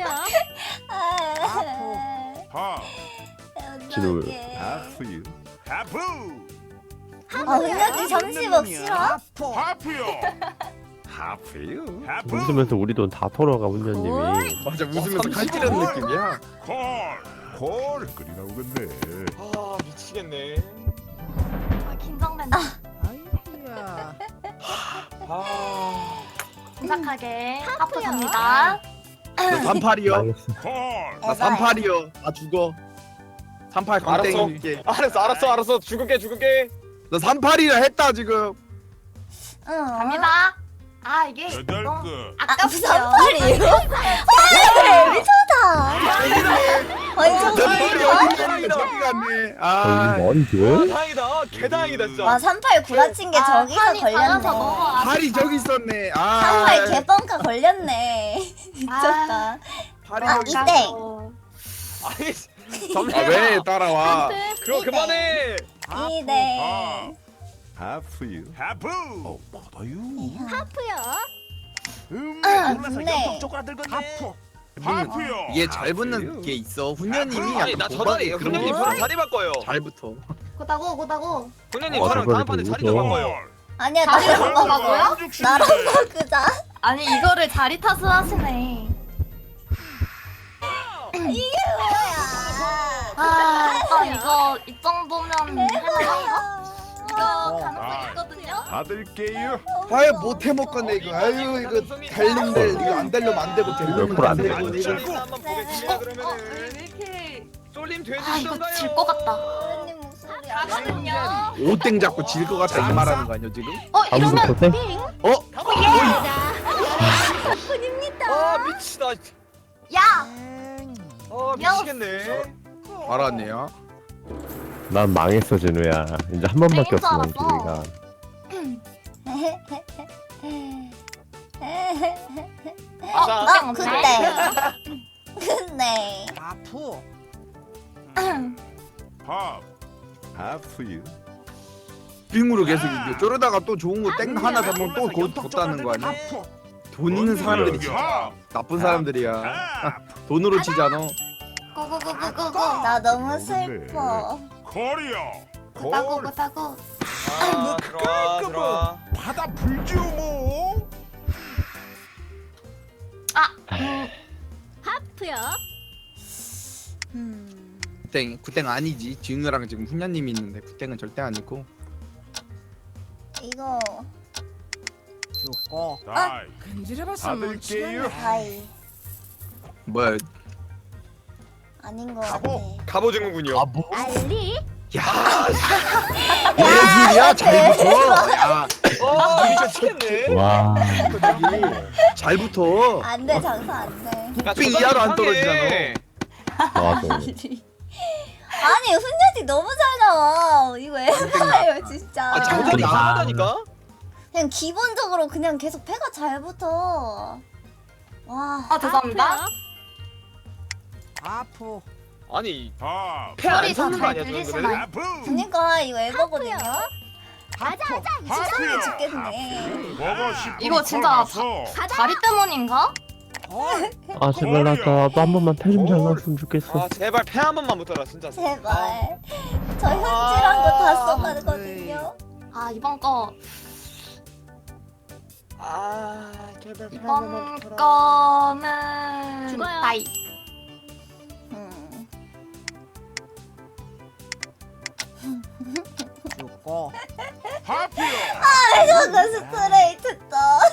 Speaker 6: 하.
Speaker 5: 진우.
Speaker 6: 하프유. 하프.
Speaker 2: 아, 훈련이 삼십억 싫어?
Speaker 6: 하프요. 하프유. 하프.
Speaker 5: 웃으면서 우리 돈 다 털어가 훈련님이.
Speaker 3: 맞아 웃으면서 칼찌르는 느낌이야.
Speaker 6: 콜. 콜. 끓이 나오겠네.
Speaker 1: 아 미치겠네.
Speaker 4: 아, 긴장된다.
Speaker 1: 아.
Speaker 4: 침착하게 하프 갑니다.
Speaker 3: 나 삼팔이요.
Speaker 5: 망했어.
Speaker 6: 콜.
Speaker 3: 나 삼팔이요. 나 죽어. 삼팔
Speaker 1: 알았어.
Speaker 3: 강땡이게.
Speaker 1: 알았어 알았어 알았어 죽을게 죽을게.
Speaker 3: 나 삼팔이라 했다 지금.
Speaker 2: 응.
Speaker 4: 갑니다. 아 이게
Speaker 6: 여덟
Speaker 4: 너무
Speaker 6: 거.
Speaker 2: 아,
Speaker 4: 아깝죠.
Speaker 2: 삼팔이에요? 헐, 미쳤다. 아니, 저거
Speaker 3: 삼팔이
Speaker 2: 뭐야?
Speaker 3: 어디 갔네. 저기 갔네. 아.
Speaker 5: 거의 머리
Speaker 1: 아
Speaker 5: 돼?
Speaker 1: 다행이다. 개다행이다 진짜.
Speaker 2: 와, 삼팔 구라친 게
Speaker 4: 아,
Speaker 2: 저기서
Speaker 4: 판이 달라서
Speaker 2: 걸렸네.
Speaker 4: 너무 아쉽다.
Speaker 3: 팔이 저기 있었네. 아.
Speaker 2: 삼팔 개뻥카 걸렸네. 미쳤다.
Speaker 3: 팔이
Speaker 2: 아,
Speaker 3: 저기.
Speaker 2: 이땡.
Speaker 1: 아니
Speaker 3: 아,
Speaker 1: 점례야.
Speaker 3: 왜 따라와?
Speaker 1: 그거 그만해.
Speaker 2: 이땡.
Speaker 6: 하프유. 하프. 어, 받아요.
Speaker 7: 하프요.
Speaker 6: 음.
Speaker 2: 아,
Speaker 6: 몰라서
Speaker 2: 근데-
Speaker 6: 영통 쪼가들겠네. 하프. 하프요.
Speaker 3: 이게 잘 붙는 게 있어. 훈녀님이
Speaker 1: 아니 나 저다리
Speaker 3: 그런
Speaker 1: 훈련님
Speaker 3: 거
Speaker 1: 저랑 자리 바꿔요.
Speaker 3: 잘 붙어.
Speaker 4: 고다고 고다고.
Speaker 1: 훈련님
Speaker 5: 어,
Speaker 1: 저랑
Speaker 5: 저거를
Speaker 1: 다음 판에
Speaker 5: 또
Speaker 1: 자리 좀
Speaker 5: 웃어.
Speaker 1: 바꿔요.
Speaker 2: 아니야,
Speaker 4: 자리
Speaker 2: 나랑
Speaker 4: 바꿔봐고요?
Speaker 2: 바꿔. 나랑 바꾸자.
Speaker 4: 아니 이거를 자리 탓을 하시네.
Speaker 2: 이게 뭐야?
Speaker 4: 아 오빠 이거 이 정도면 할만한가? 이거
Speaker 2: 아,
Speaker 4: 가능성 있거든요.
Speaker 6: 받을게요.
Speaker 3: 아유 못해 먹겠네 이거. 아유 이거 달린데 이거 안 달려면 안 되고 달리면
Speaker 5: 옆으로
Speaker 3: 안
Speaker 5: 안
Speaker 3: 되고
Speaker 5: 되고.
Speaker 3: 이거.
Speaker 1: 쫄림 한번 보겠습니다.
Speaker 4: 어, 왜
Speaker 1: 그러면은
Speaker 4: 이렇게
Speaker 1: 쫄림
Speaker 4: 아 이거
Speaker 1: 돼지시던가요?
Speaker 4: 질 것 같다.
Speaker 2: 훈련님 목소리 안
Speaker 4: 가거든요.
Speaker 3: 오땡 잡고 질 것 같아 이 말하는 거 아니야 지금?
Speaker 4: 어
Speaker 5: 아무도
Speaker 4: 이러면
Speaker 5: 못해?
Speaker 3: 어?
Speaker 1: 아 미치다.
Speaker 4: 야
Speaker 1: 아 미치겠네.
Speaker 3: 알았네요.
Speaker 5: 난 망했어 진우야. 이제 한 번밖에
Speaker 4: 땡인 줄
Speaker 5: 없어 난
Speaker 4: 알았어.
Speaker 5: 기회가.
Speaker 4: 어
Speaker 1: 자,
Speaker 4: 그냥
Speaker 2: 어,
Speaker 4: 없네.
Speaker 2: 근데. 근데.
Speaker 6: 하. 하프유.
Speaker 3: 빙으로 계속 이겨. 저러다가 또 좋은 거 땡 하나 잡으면 또 곧 뒀다는 거 아니야? 돈 있는 사람들이 진짜 나쁜 사람들이야. 돈으로 치잖아.
Speaker 4: 고고고고고고.
Speaker 2: 나 너무 슬퍼.
Speaker 6: 콜이요.
Speaker 4: 고다고
Speaker 6: 콜.
Speaker 4: 고다고.
Speaker 1: 아 들어와 들어와.
Speaker 6: 받아 불지요 뭐.
Speaker 4: 아 음,
Speaker 7: 하프요.
Speaker 2: 음.
Speaker 3: 굿땡 굿땡 아니지. 지훈이랑 지금 훈녀님이 있는데 굿땡은 절대 아니고.
Speaker 2: 이거 이거
Speaker 8: 죽고
Speaker 6: 다이.
Speaker 8: 근질해봤으면
Speaker 6: 받을게요.
Speaker 2: 다이
Speaker 3: 뭐야?
Speaker 2: 아닌 거
Speaker 6: 가보.
Speaker 2: 같아.
Speaker 1: 갑오징어군요.
Speaker 5: 뭐?
Speaker 7: 알리.
Speaker 3: 야, 예술이야 잘 붙어. 야,
Speaker 1: 어, 이거 치겠네.
Speaker 5: 와.
Speaker 3: 잘 붙어.
Speaker 2: 안돼 장사 안돼.
Speaker 3: 빙 이하로 안 떨어지잖아.
Speaker 5: 맞아.
Speaker 2: 아니 훈련이 너무 잘 나와. 이거 에바예요 진짜.
Speaker 3: 아, 잘
Speaker 1: 장전이
Speaker 3: 아.
Speaker 1: 이상하다니까.
Speaker 2: 그냥 기본적으로 그냥 계속 패가 잘 붙어. 와.
Speaker 4: 아 죄송합니다.
Speaker 8: 아프
Speaker 1: 아니
Speaker 6: 밥.
Speaker 1: 패안
Speaker 4: 소리
Speaker 1: 섞는 거
Speaker 4: 잘
Speaker 1: 아니야
Speaker 4: 들리시나요?
Speaker 1: 저는?
Speaker 6: 하프.
Speaker 2: 그니까 이거 에바거든요.
Speaker 7: 가자 가자.
Speaker 2: 시장에 죽겠네.
Speaker 6: 먹어 싶으면
Speaker 4: 이거 진짜
Speaker 6: 걸어가서.
Speaker 4: 다리 때문인가?
Speaker 8: 헐
Speaker 5: 아 제발 나 나도 한 번만 패 좀 잘 나왔으면 좋겠어.
Speaker 1: 아 제발 패 한 번만 붙어라 진짜.
Speaker 2: 제발. 저 현질한 거 다 써가거든요.
Speaker 4: 아 이번 거
Speaker 1: 아 제발 패 한 번만
Speaker 4: 이번
Speaker 1: 붙어라.
Speaker 4: 거는
Speaker 7: 죽어요.
Speaker 4: 나이.
Speaker 2: 음.
Speaker 8: 죽고
Speaker 6: 하프요.
Speaker 2: 저거 스트레이트다.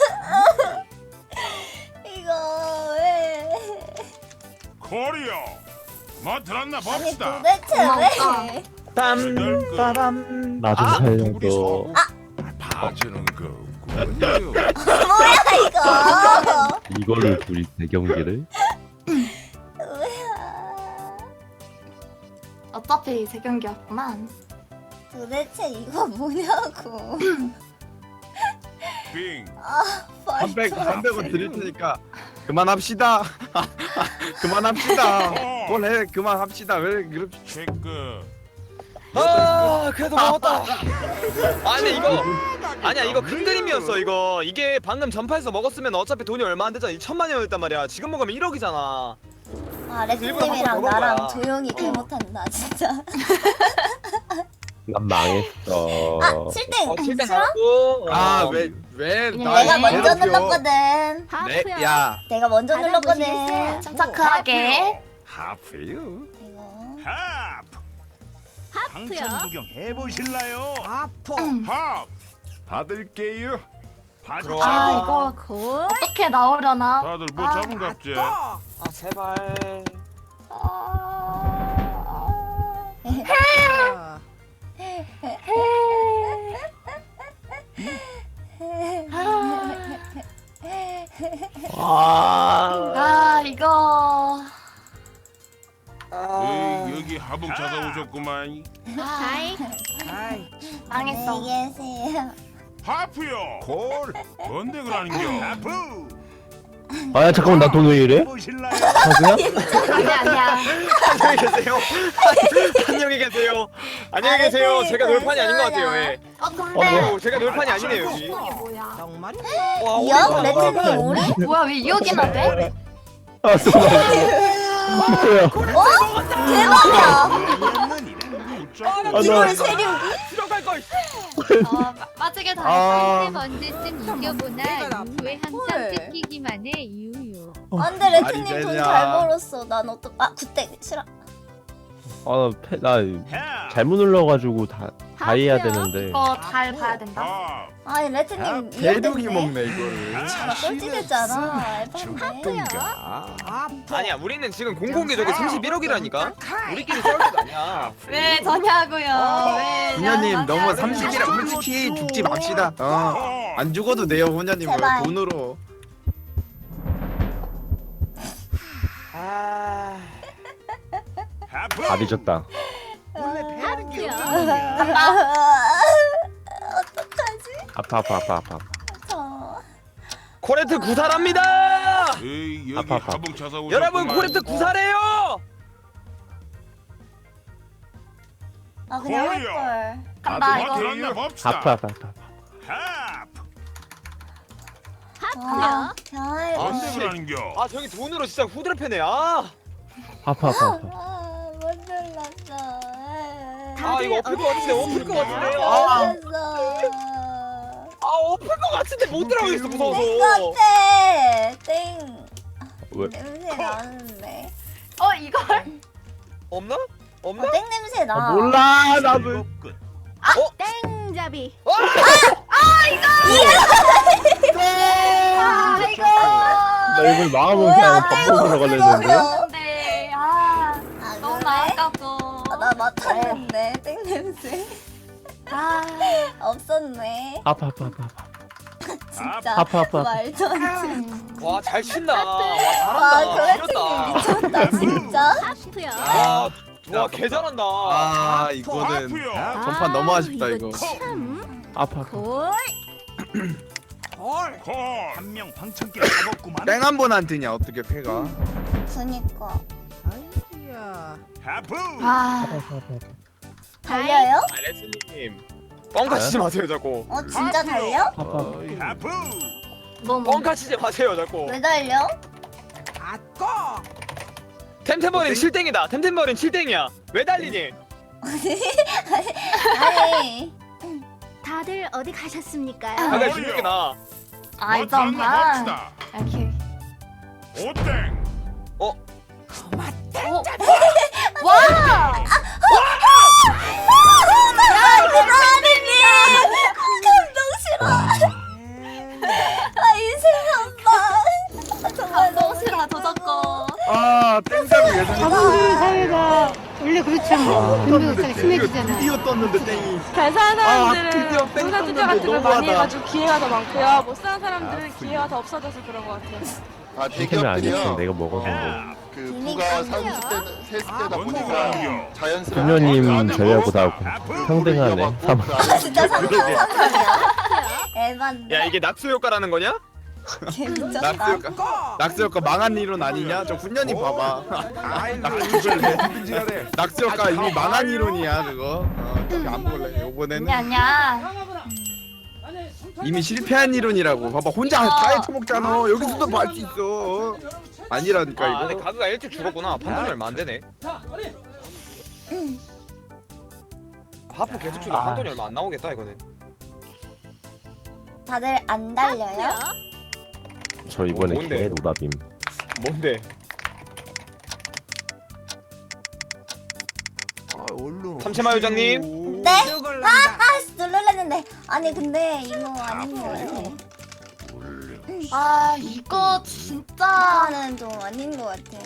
Speaker 2: 이거 왜?
Speaker 6: 코리오. 뭐 들었나
Speaker 2: 아니
Speaker 6: 봅시다.
Speaker 2: 도대체
Speaker 4: 고마웠다.
Speaker 2: 왜?
Speaker 1: 빰 빠밤.
Speaker 5: 나 좀
Speaker 6: 아,
Speaker 5: 살려줘.
Speaker 6: 봐주는 거군요.
Speaker 2: 뭐야 이거?
Speaker 5: 이걸로 둘이 대경기를?
Speaker 2: 뭐야?
Speaker 4: 어차피 세 경기였구만.
Speaker 2: 도대체 이거 뭐냐고?
Speaker 6: 빙.
Speaker 3: 삼백 삼백 원 드릴 테니까 그만합시다. 그만합시다. 뭘 해? 그만합시다. 왜 그렇게?
Speaker 6: 체크.
Speaker 1: 아 그래도 먹었다. 아니 이거 아니야 이거 큰 그림이었어 이거. 이게 방금 전파에서 먹었으면 어차피 돈이 얼마 안 되잖아. 이천만 원이었단 말이야. 지금 먹으면 일억이잖아.
Speaker 2: 아
Speaker 1: 일부러 한번
Speaker 2: 레트님이랑
Speaker 1: 먹은
Speaker 2: 나랑
Speaker 1: 거야.
Speaker 2: 조용히 개 못한다 진짜.
Speaker 5: 난 망했어.
Speaker 2: 아 칠땡
Speaker 1: 어 칠땡
Speaker 2: 싫어?
Speaker 1: 가고.
Speaker 3: 아왜왜
Speaker 2: 내가 먼저 눌렀거든.
Speaker 7: 하프요.
Speaker 3: 네, 야,
Speaker 2: 내가 먼저
Speaker 7: 받아보시겠어요?
Speaker 2: 눌렀거든.
Speaker 4: 침착하게.
Speaker 6: 하프요.
Speaker 2: 이거
Speaker 6: 하프.
Speaker 7: 하프요.
Speaker 6: 구경 해보실래요?
Speaker 8: 아프
Speaker 6: 밥. 받을게요.
Speaker 1: 들어와.
Speaker 4: 아 이거
Speaker 7: 골.
Speaker 4: 어떻게 나오려나?
Speaker 6: 다들 뭐
Speaker 4: 아,
Speaker 6: 잡은 갑지?
Speaker 1: 아 제발.
Speaker 4: 아...
Speaker 5: 아.
Speaker 4: 아 이거
Speaker 1: 아.
Speaker 6: 에이, 여기 하봉 찾아오셨구만.
Speaker 7: 다이.
Speaker 8: 아이
Speaker 4: 망했어.
Speaker 2: 안녕히 계세요.
Speaker 6: 하프요. 골. 뭔데 그러는겨? 하프.
Speaker 5: 아야 잠깐만 나 돈 왜 이래?
Speaker 6: 보실래요?
Speaker 5: 사구야?
Speaker 4: 아니야 아니야.
Speaker 1: 안녕히 계세요. 안녕히 계세요. 안녕히 계세요. 제가 놀판이 아닌 것 같아요. 예.
Speaker 4: 어 근데
Speaker 1: 어, 제가 놀판이 아니네요 여기.
Speaker 4: 이게 뭐야?
Speaker 8: 정말
Speaker 1: 와,
Speaker 2: 이억
Speaker 1: 오랜만에
Speaker 2: 레트님 오리?
Speaker 4: 뭐야 왜 이억이나 돼?
Speaker 5: 아 또. 뭐야?
Speaker 2: 대박이야.
Speaker 5: 아,
Speaker 2: 이걸
Speaker 5: 나-
Speaker 2: 세력이?
Speaker 1: 들어갈 걸.
Speaker 4: 어 마- 빠지게 다
Speaker 5: 아.
Speaker 7: 언제쯤 이겨보나 왜 항상 뜯기기만 해 유유.
Speaker 2: 안돼 레트님
Speaker 3: 말이
Speaker 2: 돈
Speaker 3: 되냐.
Speaker 2: 잘 벌었어. 난 어떡? 아 구땡 싫어.
Speaker 5: 아나 잘못 눌러가지고 다 다 해야 되는데.
Speaker 4: 이거 잘 봐야 된다.
Speaker 6: 밥.
Speaker 2: 아니 레트님
Speaker 3: 대륙이
Speaker 2: 이겼네.
Speaker 3: 먹네 이거를.
Speaker 2: 아 꼴찌됐잖아. 에반데.
Speaker 8: 아프
Speaker 1: 아니야 우리는 지금 공공개 저기 삼십일억이라니까. 우리끼리 싸울 때도 아니야.
Speaker 4: 왜 저냐고요? 왜?
Speaker 3: 훈녀님 너무
Speaker 4: 저냐고요?
Speaker 3: 삼십이라 솔직히 죽지 맙시다. 어. 안 죽어도 돼요 훈녀님은
Speaker 2: 제발.
Speaker 3: 돈으로.
Speaker 1: 아.
Speaker 6: 하프.
Speaker 5: 다 뒤졌다.
Speaker 7: 하프요.
Speaker 2: 어떡하지?
Speaker 5: 아파 아파 아파 아파.
Speaker 2: 저
Speaker 1: 코레트 구사랍니다.
Speaker 6: 에이, 여기
Speaker 5: 아파, 아파.
Speaker 6: 하봉 찾아오셨구만.
Speaker 1: 여러분 코레트 구사래요.
Speaker 2: 아 그냥 할
Speaker 6: 코리아.
Speaker 2: 걸.
Speaker 4: 간다
Speaker 6: 다들
Speaker 4: 이거.
Speaker 6: 뭐 들었나 봅시다.
Speaker 5: 아파 아파 아파.
Speaker 6: 하프.
Speaker 7: 하프요.
Speaker 2: 아, 별.
Speaker 6: 뭔데
Speaker 1: 씨.
Speaker 6: 그러는겨?
Speaker 1: 아 저기 돈으로 진짜 후드를 패네. 아.
Speaker 5: 아파 아파 아파.
Speaker 2: 아, 못 눌렀어.
Speaker 1: 아 이거 엎을 것 같은데 엎을 것 같은데.
Speaker 2: 못
Speaker 1: 아,
Speaker 2: 눌렀어.
Speaker 1: 아 엎을 것 같은데 못 들어가겠어 무서워서.
Speaker 2: 땡 땡.
Speaker 5: 왜?
Speaker 2: 냄새 나는데.
Speaker 4: 어 이걸?
Speaker 1: 없나? 없나?
Speaker 2: 어, 땡 냄새
Speaker 5: 아
Speaker 2: 나.
Speaker 5: 몰라 나도.
Speaker 6: 즐겁군.
Speaker 7: 땡잡이.
Speaker 1: 아!
Speaker 2: 아이고.
Speaker 5: 나 이걸 망하면
Speaker 2: 뭐야,
Speaker 5: 그냥 밥 먹으러 갈랬는데.
Speaker 4: 근데 아
Speaker 2: 아,
Speaker 4: 너무
Speaker 2: 그래?
Speaker 4: 아깝고.
Speaker 2: 아, 나 맡았는데 땡 냄새
Speaker 4: 아
Speaker 2: 없었네.
Speaker 5: 아파 아파 아파 아파.
Speaker 2: 진짜
Speaker 5: 아파, 아파, 아파.
Speaker 2: 말도 안 돼.
Speaker 1: 와 잘 친다. 와
Speaker 2: 와,
Speaker 1: 잘한다.
Speaker 2: 그래픽이
Speaker 1: 이겼다.
Speaker 2: 미쳤다 진짜.
Speaker 1: 와, 와, 개 잘한다.
Speaker 3: 아 이거는
Speaker 6: 하프요.
Speaker 3: 전판 너무 아쉽다 이거.
Speaker 5: 아파 아파.
Speaker 8: 콜.
Speaker 6: 콜한명 방청객 잡았구만.
Speaker 3: 땡 한 번 안 뜨냐 어떻게 패가?
Speaker 2: 그니까
Speaker 8: 아이고야.
Speaker 6: 하프.
Speaker 4: 아
Speaker 2: 달려요?
Speaker 1: 아, 레슬님. 뻥카 치지 마세요, 자꾸.
Speaker 2: 어 진짜 달려?
Speaker 5: 아파.
Speaker 6: 하프.
Speaker 4: 너무
Speaker 1: 뻥카 치지 마세요, 자꾸.
Speaker 2: 왜 달려?
Speaker 8: 아꺼.
Speaker 1: 템템버린 칠땡이다. 템템버린 칠땡이야. 왜 달리니?
Speaker 2: 아니
Speaker 7: 다들 어디 가셨습니까요?
Speaker 1: 아, 나 중력이 나.
Speaker 4: 아이
Speaker 6: 뭐
Speaker 4: 정말.
Speaker 6: 합시다.
Speaker 4: 이렇게.
Speaker 6: 오땡.
Speaker 4: 오. 와.
Speaker 2: 그만하니 감동 싫어. 아 인생 한방 정말
Speaker 4: 너무
Speaker 2: 너무
Speaker 4: 싫어 저작거.
Speaker 3: 아 땡잡이 예상이
Speaker 9: 사회가 원래 그렇죠.
Speaker 3: 아,
Speaker 9: 운동도
Speaker 3: 떴는데
Speaker 9: 심해지잖아요.
Speaker 3: 드디어 떴는데 땡이.
Speaker 10: 잘 사는
Speaker 3: 아,
Speaker 10: 사람들은
Speaker 3: 드디어 땡
Speaker 10: 농사 투자
Speaker 3: 떴는데
Speaker 10: 같은 걸 많이
Speaker 3: 너무하다.
Speaker 10: 해가지고 기회가 더 많고요. 못 사는 사람들은 기회가 더 없어져서 그런 것 같아요.
Speaker 11: 아
Speaker 5: 템템이 아니었어.
Speaker 11: 대기업들이요.
Speaker 5: 내가 먹었는데.
Speaker 11: 그
Speaker 2: 이미
Speaker 11: 부가
Speaker 2: 깜짝이야.
Speaker 11: 삼십 대, 세십 대다
Speaker 6: 뭔
Speaker 11: 보니까
Speaker 6: 소리야.
Speaker 11: 자연스럽게
Speaker 5: 부녀님 저희하고 다
Speaker 6: 하프.
Speaker 5: 평등하네. 삼.
Speaker 2: 아, 진짜 삼삼삼삼이야. 에반데.
Speaker 1: 야, 이게 낙수 효과라는 거냐?
Speaker 2: 개미쳤다.
Speaker 3: 낙수 효과. 낙수 효과 망한 이론 아니냐? 저 훈련이 봐봐. 낙수 효과 이미 망한 이론이야 그거. 어, 저기 안 볼래. 이번에는
Speaker 4: 아니야.
Speaker 3: 이미 실패한 이론이라고. 봐봐 혼자 다 헤쳐먹잖아. 여기서도 봐 할 수 있어. 아니라니까
Speaker 1: 아, 근데
Speaker 3: 이거.
Speaker 1: 가그가 일찍 죽었구나. 판단이 얼마 안 되네. 하프 계속 주다
Speaker 5: 아.
Speaker 1: 판돈이 얼마 안 나오겠다 이거는.
Speaker 2: 다들 안 달려요?
Speaker 5: 저 이번에
Speaker 1: 뭔데?
Speaker 5: 개 노답임.
Speaker 1: 뭔데? 삼치마 요장님.
Speaker 2: 네?
Speaker 8: 죽을란다.
Speaker 2: 아 놀랄랬는데. 아니 근데 이거 아닌 거 같아.
Speaker 4: 아 이거 진짜
Speaker 2: 이거는 좀 아닌 거 같아.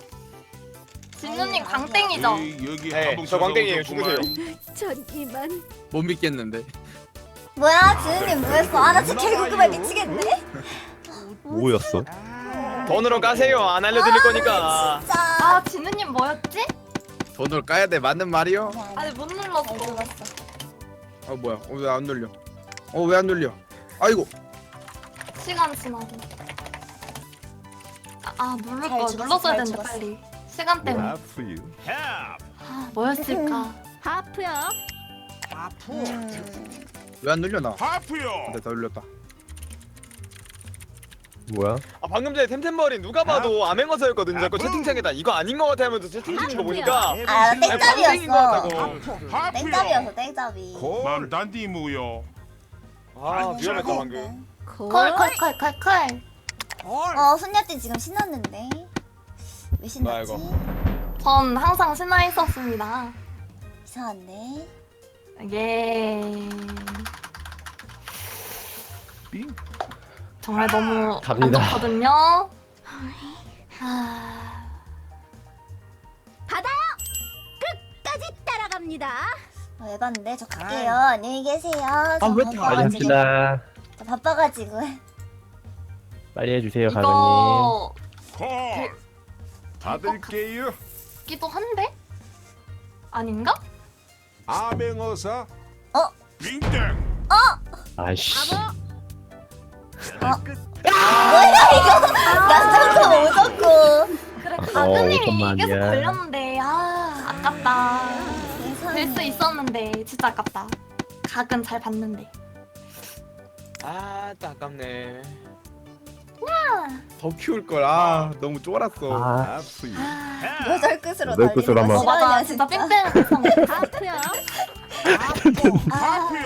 Speaker 4: 진우님 광땡이죠.
Speaker 6: 여기
Speaker 1: 네, 저 광땡이에요. 죽으세요.
Speaker 7: 전 이만.
Speaker 3: 못 믿겠는데.
Speaker 2: 뭐야 지은님 뭐했어? 아나 진짜 개구구발 미치겠네.
Speaker 5: 뭐였어?
Speaker 1: 돈으로 까세요. 안 알려드릴 거니까.
Speaker 2: 진짜.
Speaker 4: 아 진우님 뭐였지?
Speaker 3: 돈을 까야 돼 맞는 말이요?
Speaker 4: 아니 못
Speaker 2: 잘
Speaker 4: 눌렀어.
Speaker 2: 들었어.
Speaker 3: 어 뭐야? 어, 왜 안 눌려? 어 왜 안 눌려? 아이고.
Speaker 4: 시간 지나고. 아, 아 누를
Speaker 2: 잘
Speaker 4: 거
Speaker 2: 죽었어,
Speaker 4: 눌렀어야
Speaker 2: 잘
Speaker 4: 되는데
Speaker 2: 죽었어.
Speaker 4: 빨리. 시간 때문에.
Speaker 6: 하프.
Speaker 4: 아 뭐였을까?
Speaker 7: 하프요.
Speaker 8: 아프.
Speaker 2: 음.
Speaker 3: 왜 안 눌려 나?
Speaker 6: 하프요.
Speaker 3: 근데 다 눌렸다.
Speaker 5: 뭐야?
Speaker 1: 아 방금 전에 템템버린 누가 봐도 암행어사였거든요. 자꾸 채팅창에다 이거 아닌 거 같아 하면서 채팅 치는 거 보니까
Speaker 2: 아
Speaker 1: 땡인 거
Speaker 2: 땡잡이었어.
Speaker 1: 같다고.
Speaker 2: 땡잡이었어 땡잡이.
Speaker 6: 만단디 무요.
Speaker 1: 아 위험했다 방금.
Speaker 4: 콜콜콜콜콜.
Speaker 8: 콜.
Speaker 2: 어 훈녀띠 지금 신났는데 왜
Speaker 1: 뭐야,
Speaker 2: 신났지?
Speaker 1: 이거?
Speaker 4: 전 항상 신나 있었습니다.
Speaker 2: 이상한데.
Speaker 4: 예. 정말 너무 안
Speaker 5: 갑니다.
Speaker 4: 좋거든요. 아...
Speaker 7: 받아요. 끝까지 따라갑니다.
Speaker 2: 어, 에반데 저 갈게요. 안녕히 계세요. 저
Speaker 3: 아, 왜
Speaker 5: 빨리
Speaker 2: 바빠가지고.
Speaker 5: 합시다.
Speaker 2: 저 바빠가지고.
Speaker 5: 빨리 해주세요 가그님.
Speaker 4: 이거
Speaker 6: 콜. 받을게요.
Speaker 4: 기도 한데? 아닌가?
Speaker 6: 암행어사.
Speaker 2: 어?
Speaker 6: 빙땡.
Speaker 5: 아이씨.
Speaker 2: 양정도 오졌고.
Speaker 4: 그래
Speaker 5: 어,
Speaker 4: 가그님이
Speaker 5: 오천만이야.
Speaker 4: 계속 걸렸는데 아 아깝다. 될 수
Speaker 2: 세상에.
Speaker 4: 있었는데 진짜 아깝다. 각은 잘 봤는데.
Speaker 1: 아, 또 아깝네.
Speaker 3: 더 키울 걸. 아 너무 쫄았어.
Speaker 5: 아,
Speaker 6: 하프.
Speaker 4: 아...
Speaker 2: 여덟 끝으로
Speaker 5: 여덟 끝으로
Speaker 2: 달리는 거
Speaker 5: 한번.
Speaker 4: 어 맞아
Speaker 2: 싫어하냐,
Speaker 4: 진짜 뺑뺑 해서
Speaker 7: 하프요.
Speaker 2: 아,
Speaker 6: 하프요.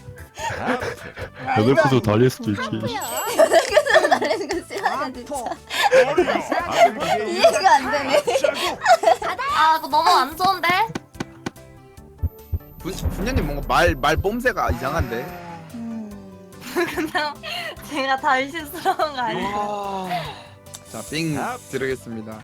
Speaker 5: 여덟 구도 달릴 수도 있지.
Speaker 2: 여덟 끝으로 달리는 거 싫어하냐 진짜.
Speaker 6: 받을게요.
Speaker 2: 이해가 안 되네.
Speaker 4: 아 그거 너무 안 좋은데?
Speaker 3: 분, 분녀님 뭔가 말 말 뽐새가 이상한데.
Speaker 2: 음.
Speaker 4: 그냥 제가 다 실수한 거 아니에요?
Speaker 1: 와.
Speaker 3: 자, 빙 드리겠습니다.